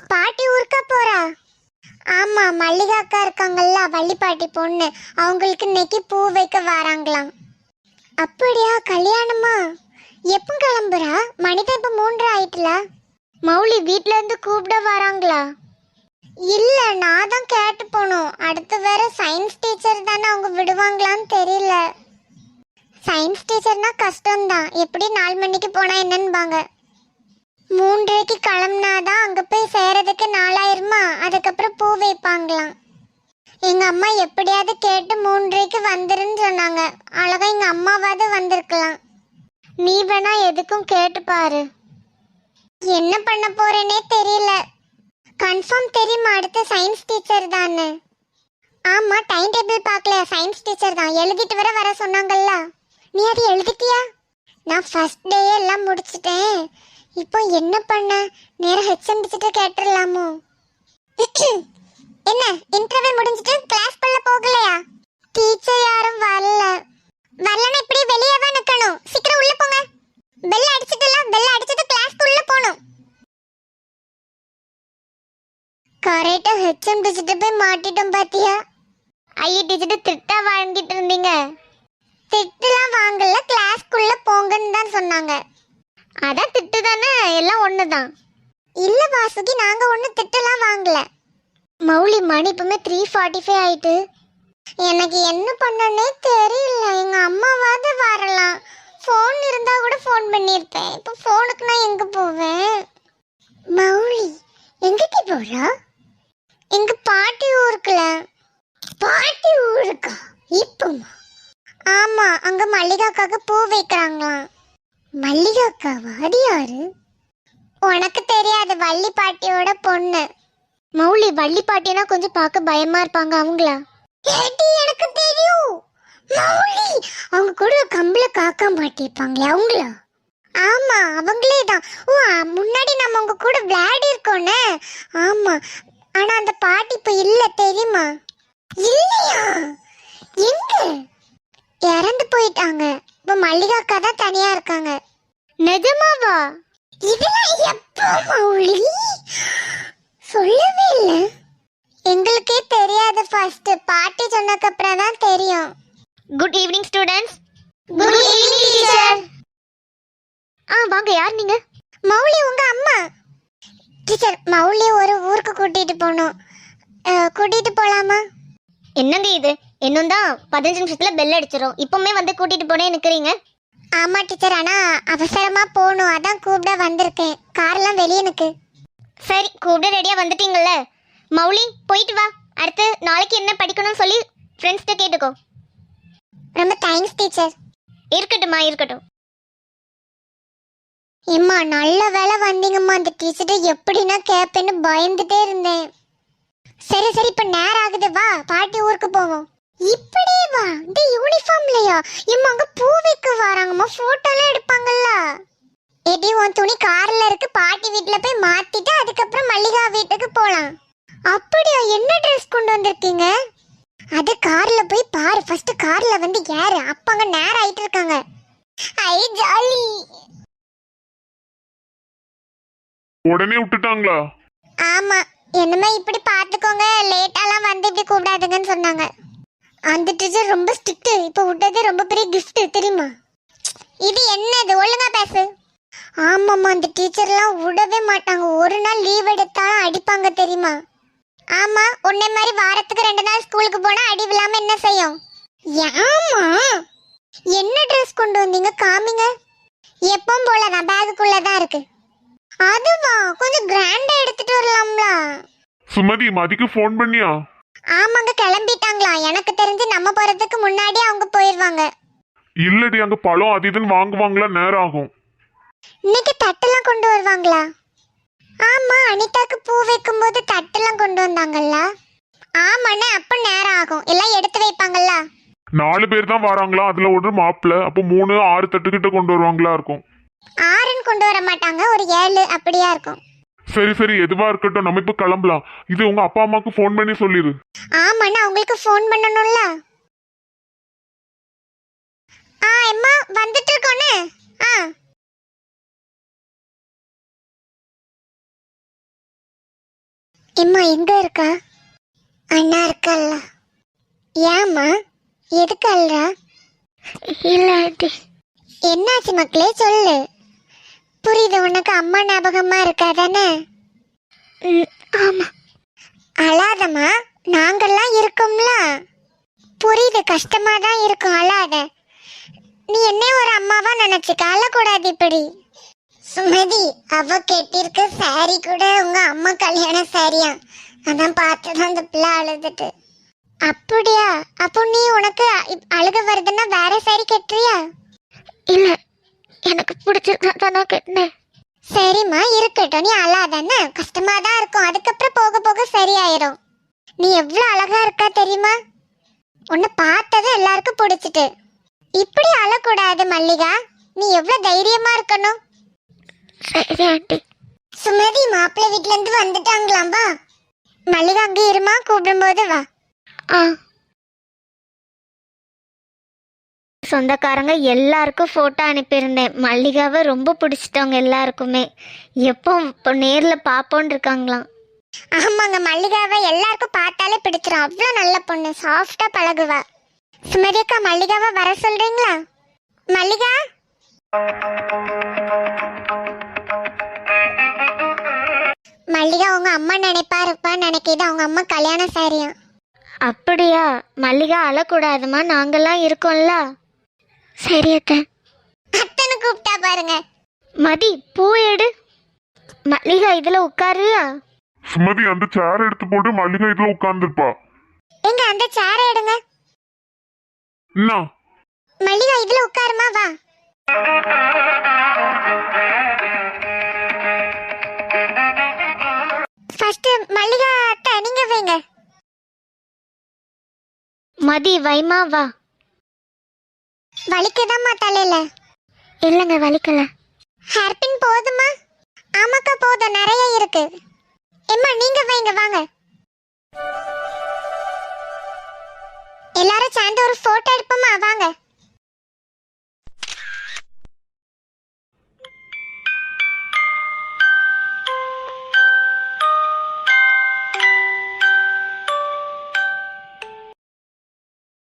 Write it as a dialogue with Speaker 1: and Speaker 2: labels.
Speaker 1: பாட்டி ஊருக்கா போறா? ஆமா, மல்லிகா அக்கா இருக்காங்கல்ல, வள்ளிப்பாட்டி பொண்ணு, அவங்களுக்கு இன்னைக்கு பூ வைக்க வராங்களாம். அப்படியா? கல்யாணமா? எப்போ கிளம்புறா? மணிதான் இப்ப 3 ஆயிட்டுல. மௌலி வீட்ல இருந்து கூப்பிட வராங்களா? இல்ல, நான் தான் கேட்டு போனோம். அடுத்து வேற சயின்ஸ் டீச்சர் தானே, அவங்க விடுவாங்களான்னு தெரியல. சயின்ஸ் டீச்சர்னா கஷ்டம்தான். எப்படி 4 மணிக்கு போனா என்னன்னுபாங்க. 3:30க்கு கிளம்புனாதான் அங்க போய் சேரதுக்கு 4000மா. அதுக்கப்புறம் பூ வைப்பாங்களாம். எங்க அம்மா எப்படியாவது கேட்டு 3:30க்கு வந்துருன்னு சொன்னாங்க. அழகா எங்க அம்மாவாவது வந்திருக்கலாம். நீ வேணா எதுக்கும் கேட்டு பாரு. என்ன பண்ண போறேனே தெரியல. கன்ஃபார்ம் தெரியுமா அடுத்த சயின்ஸ் டீச்சர் தானே? ஆமா, டைம் டேபிள் பார்க்கல. சயின்ஸ் டீச்சர் தான், எழுதிட்டு வர சொன்னாங்கல்ல. நீ அது எழுதிட்டியா? நான் ஃபர்ஸ்ட் டே எல்லாம் முடிச்சிட்டேன். இப்போ என்ன பண்ண? நேரா ஹெச்எம் கிட்ட கேட்டுறலாமோ? என்ன இன்டர்வியூ முடிஞ்சிட்டு கிளாஸ் குள்ள போகலையா? டீச்சர் யாரும் வரல. வரலனா இப்படி வெளியே தான் நிக்கணும். சீக்கிரம் உள்ள போங்க. பெல் அடிச்சிட்டலாம். பெல் அடிச்சிட்டு கிளாஸ் குள்ள போணும். கரெக்டா ஹெச்எம் கிட்ட போய் மாட்டிட்டோம் பாத்தியா? ஐயா டீச்சர் திட்டா வாங்கிட்டு இருந்தீங்க. திட்டுலாம் வாங்கல, கிளாஸ் குள்ள போங்கன்னு தான் சொன்னாங்க. அதான் திட்டு தானே, எல்லாம் ஒண்ணுதான். இல்ல வாசுகி, நாங்க ஒண்ணு திட்டுலாம் வாங்கல. மௌலி மணி இப்பமே 3:45 ஆயிட்டு. எனக்கு என்ன பண்ணனே தெரியல. எங்க அம்மாவாவது வரலாம். ஃபோன் இருந்தா கூட ஃபோன் பண்ணிருப்பேன். இப்போ ஃபோனுக்கு நான் எங்க போவேன்? மௌலி எங்கடி போறா? எங்க பாட்டி ஊருக்குல. பாட்டி ஊருக்கா? இப்போமா? ஆமா, அங்க மல்லிகாக்காக பூ வைக்கிறாங்களாம். மல்லிகாக்காவா? அது யாரு? உனக்கு தெரியாது, வள்ளி பாட்டியோட பொண்ணு. மௌலி, வள்ளி பாட்டினா கொஞ்சம் பார்க்க பயமா இருப்பாங்க, அவங்களா? எனக்கு தெரியும் மௌலி, அவங்க கூட கம்பள காக்கா மாட்டிருப்பாங்களே, அவங்களா? ஆமா, அவங்களே தான். ஓ, முன்னாடி நம்ம அவங்க கூட விளையாடி இருக்கோனே. ஆமா, ஆனா அந்த பாட்டி இப்ப இல்ல, தெரியுமா? இல்லையா? எங்க? இறந்து போயிட்டாங்க. இப்ப மல்லிகா அக்கா தான் தனியா இருக்காங்க. நிஜமாவா? இதெல்லாம் எப்போ மௌலி? சொல்லவே இல்ல. எங்களுக்கே தெரியாது. ஃபர்ஸ்ட் பாட்டி சொன்னதுக்கு அப்புறம் தான் தெரியும். Good evening students. Good evening teacher. வாங்க, யார் நீங்க? மௌலி, உங்க அம்மா. டீச்சர், மௌலி ஒரு ஊருக்கு கூட்டிட்டு போகணும். கூட்டிட்டு போலாமா? என்னங்க இது? இன்னும் தான் 15 நிமிஷத்துல பெல் அடிச்சிரும். இப்பவுமே வந்து கூட்டிட்டு போனே நிக்கிறீங்க? ஆமா டீச்சர், ஆனா அவசரமா போகணும், அதான் கூப்பிட வந்திருக்கேன். கார்லாம் வெளியே நிக்கு. சரி, கூப்பிட ரெடியா வந்துட்டீங்கல்ல. மௌலி, போயிட்டு வா. அடுத்து நாளைக்கு என்ன படிக்கணும்னு சொல்லி ஃப்ரெண்ட்ஸ்கிட்ட கேட்டுக்கோ. ரொம்ப தேங்க்ஸ் டீச்சர். இருக்கட்டும்மா, இருக்கட்டும். எம்மா, நல்ல வேலை வந்தீங்கம்மா. அந்த டீச்சர்ட்ட எப்படின்னா கேட்பேன்னு பயந்துட்டே இருந்தேன். சரி சரி, இப்ப நேரம் ஆகுது, வா பாட்டி ஊருக்கு போவோம். இப்படியே வா. இந்த யூனிஃபார்ம்லயா? எம்மா, அங்க பூ வைக்க வராங்கம்மா, போட்டோலாம் எடுப்பாங்கல்ல. எடி, உன் துணி கார்ல இருக்கு, பாட்டி வீட்டுல போய் மாத்திட்டு அதுக்கப்புறம் மல்லிகா வீட்டுக்கு போலாம். அப்படியா? என்ன ட்ரெஸ் கொண்டு வந்திருக்கீங்க? அது கார்ல போய் பாரு. ஃபர்ஸ்ட் கார்ல வந்து யாரு? அப்பாங்க நேரம் ஆயிட்டு இருக்காங்க. ஐ ஜாலி.
Speaker 2: உடனே விட்டுட்டாங்களா?
Speaker 1: ஆமா, என்னமே இப்படி பாத்துக்கோங்க, லேட்டாலாம் வந்து இப்படி கூப்பிடாதுங்கன்னு சொன்னாங்க. அந்த டீச்சர் ரொம்ப ஸ்ட்ரிக்ட். இப்ப விட்டது ரொம்ப பெரிய கிஃப்ட், தெரியுமா? இது என்னது? ஒழுங்கா பேசு. ஆமாம்மா, அந்த டீச்சர்லாம் விடவே மாட்டாங்க. ஒரு நாள் லீவ் எடுத்தாலும் அடிப்பாங்க, தெரியுமா? ஆமா, உன்னை மாதிரி வாரத்துக்கு 2 நாள் ஸ்கூலுக்கு போனா அடி விழாம என்ன செய்யும்? ஆமா. என்ன ட்ரெஸ் கொண்டு வந்தீங்க? காமிங்க. எப்பவும் போலதான், பேகுக்குள்ளதான் இருக்கு. அதுவா? கொஞ்சம் கிராண்டா எடுத்துட்டு வரலாம்ல.
Speaker 2: சுமதி, மதிக்கு ஃபோன் பண்ணியா?
Speaker 1: ஆமாங்க, கிளம்பிட்டாங்களா. எனக்கு தெரிஞ்சு நம்ம போறதுக்கு முன்னாடி அவங்க போயிருவாங்க.
Speaker 2: இல்லடி, அங்க பழம் அது இதுன்னு வாங்குவாங்களா, நேரம் ஆகும்.
Speaker 1: இன்னைக்கு தட்டெல்லாம் கொண்டு வருவாங்களா? ஆமா, அனிதாக்கு பூ வைக்கும் போது தட்டெல்லாம் கொண்டு வந்தாங்கல்ல. ஆமாண்ணே, அப்ப நேரம் ஆகும். எல்லாம் எடுத்து வைப்பாங்கல்ல.
Speaker 2: 4 பேர் தான் வராங்களா, அதுல ஒரு மாப்பிள்ள. அப்போ 3 6 தட்டுக்கிட்ட கொண்டு வருவாங்களா இருக்கும்.
Speaker 1: 6ன்னு கொண்டு வர மாட்டாங்க, ஒரு 7 அப்படியா இருக்கும்.
Speaker 2: சரி சரி, எதுவா இருக்கட்டும், நம்ம இப்ப கிளம்பலாம். இது உங்க அப்பா அம்மாக்கு ஃபோன் பண்ணி சொல்லிரு.
Speaker 1: ஆமாண்ணா, அவங்களுக்கு ஃபோன் பண்ணணும்ல. அம்மா வந்துட்டு இருக்கோன்னு. எம்மா எங்க இருக்கா? அண்ணா இருக்கல்ல. ஏம்மா எதுக்கு அல்றா? இல்ல ஆண்டி. என்னாச்சு மக்களே சொல்லு. புரியுது உனக்கு அம்மா ஞாபகமா இருக்கா தானே? ஆமா. அழாதம்மா, நாங்கெல்லாம் இருக்கோம்ல. புரியுது, கஷ்டமா தான் இருக்கும், அழாத. நீ என்ன ஒரு அம்மாவா நினைச்சுக்க, அழக்கூடாது இப்படி. சுமதி, அவ கெட்டிருக்க சாரி கூட உங்க அம்மா கல்யாண சாரியா, அதான் பார்த்துதான் அந்த பிள்ளை அழுதுட்டு. அப்படியா? அப்போ நீ உனக்கு அழுக வருதுன்னா வேற சாரி கட்டுறியா? இல்ல, எனக்கு பிடிச்சதான் நான் கட்டினேன். சரிம்மா இருக்கட்டும், நீ அழாதானே, கஷ்டமா தான் இருக்கும், அதுக்கப்புறம் போக போக சரியாயிரும். நீ எவ்வளவு அழகா இருக்கா தெரியுமா? உன்னை பார்த்ததும் எல்லாருக்கும் பிடிச்சிட்டு. இப்படி அழக்கூடாது மல்லிகா, நீ எவ்வளவு தைரியமா இருக்கணும். சரி ஆண்டி. சுமதி, மாப்பிள்ளை வீட்ல இருந்து வந்துட்டாங்களாம், வா. மல்லிகா அங்க இருமா, கூப்பிடும்போது வா.
Speaker 3: சொந்தக்காரங்க எல்லாருக்கும் ஃபோட்டோ அனுப்பியிருந்தேன். மல்லிகாவை ரொம்ப பிடிச்சிட்டவங்க எல்லாருக்குமே. எப்போ இப்போ நேரில் பார்ப்போன்னு இருக்காங்களாம்.
Speaker 1: ஆமாங்க, மல்லிகாவை எல்லாருக்கும் பார்த்தாலே பிடிச்சிரும், அவ்வளோ நல்ல பொண்ணு, சாஃப்டா பழகுவா. சுமதி அக்கா, மல்லிகாவை வர சொல்றீங்களா? மல்லிகா, மல்லிகா உங்க அம்மா நினைப்பா இருப்பான்னு நினைக்கிது, அவங்க அம்மா கல்யாண சாரியா.
Speaker 3: அப்படியா? மல்லிகா அழக்கூடாதுமா, நாங்கெல்லாம் இருக்கோம்ல. சரி அத்தை.
Speaker 1: அத்தனை கூப்பிட்டா பாருங்க.
Speaker 3: மதி, பூ எடு. மல்லிகா இதில் உட்காருயா.
Speaker 2: சுமதி, அந்த சேர் எடுத்து போட்டு மல்லிகா இதுல உட்கார்ந்துருப்பா.
Speaker 1: எங்க அந்த சேரை எடுங்க.
Speaker 2: என்ன
Speaker 1: மல்லிகா இதுல உட்காருமா, வா. ஃபர்ஸ்ட் மல்லிகா அத்தை நீங்க வைங்க.
Speaker 3: மதி வைமா, வா.
Speaker 1: வலிக்குதாம்மா தலையில?
Speaker 3: இல்லைங்க, வலிக்கல.
Speaker 1: ஹேர்பின் போதுமா? ஆமாக்கா போதும், நிறைய இருக்கு. எம்மா நீங்க வைங்க, வாங்க. எல்லாரும் சேர்ந்து ஒரு போட்டோ எடுப்போமா, வாங்க.